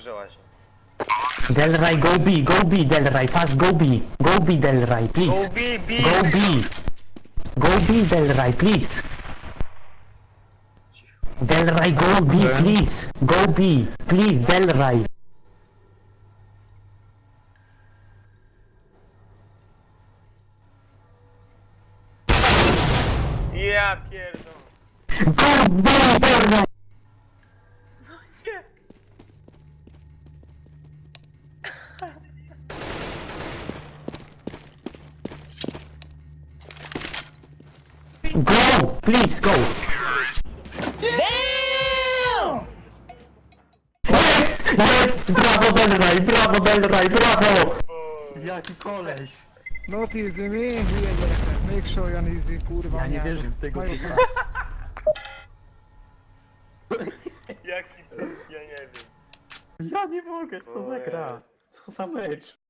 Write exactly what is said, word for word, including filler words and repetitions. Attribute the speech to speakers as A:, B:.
A: wkurzyła się.
B: Delray, go B, go B, Delray, fast go B. Go B, Delray, please.
A: Go B, B!
B: Go B. Go B, Delray, please. Delray, go B, please. Go B, please, Delray.
A: Ja pierdolę.
B: Go B, Delray. Go, please go. Damn! Yes, brawo Delray, brawo Delray, brawo!
C: Jaki koleś!
D: Not easy me, make sure you're easy, kurwa.
C: Ja nie wierzę w tego
D: Mają-
C: typa.
A: Jaki to, ja nie wiem.
C: Ja nie mogę, co za gra? Co za mecz?